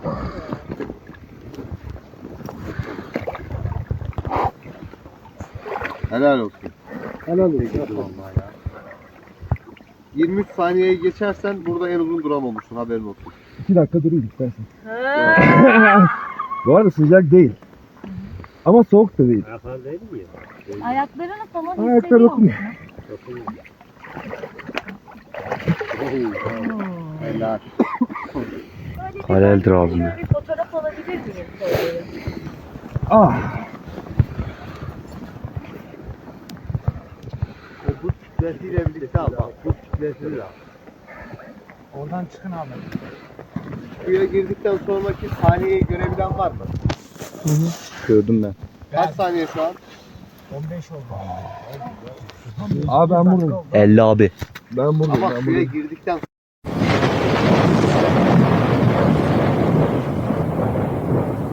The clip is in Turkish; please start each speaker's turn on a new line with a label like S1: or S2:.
S1: Helal olsun.
S2: Helal olsun.
S1: Vallahi ya. 23 saniyeyi geçersen burada en uzun duran olmuşsun, haberin olsun.
S2: 2 dakika durayım istersen. Bu arada sıcak değil. Ama soğuk da değil.
S3: Ayaklar değil mi ya?
S4: Ayaklarını falan
S2: Ayaklar
S4: hissediyor
S2: dokunuyor.
S4: musun?
S1: Helal.
S5: Haleldir abim.
S4: Şöyle bir fotoğraf alabilir miyim? Şöyle?
S2: Ah.
S1: O buz kütlesiyle birlikte al bak. Buz kütlesiyle al.
S3: Oradan çıkın abi.
S1: Suya girdikten sonraki saniyeyi görebilen var mı?
S5: Gördüm ben.
S1: Kaç saniye şu an?
S3: 15 oldu.
S2: Abi ben buradayım.
S5: 50 abi.
S2: Ben buradayım.
S1: Ama
S2: Ben
S1: suya
S2: buradayım.
S1: girdikten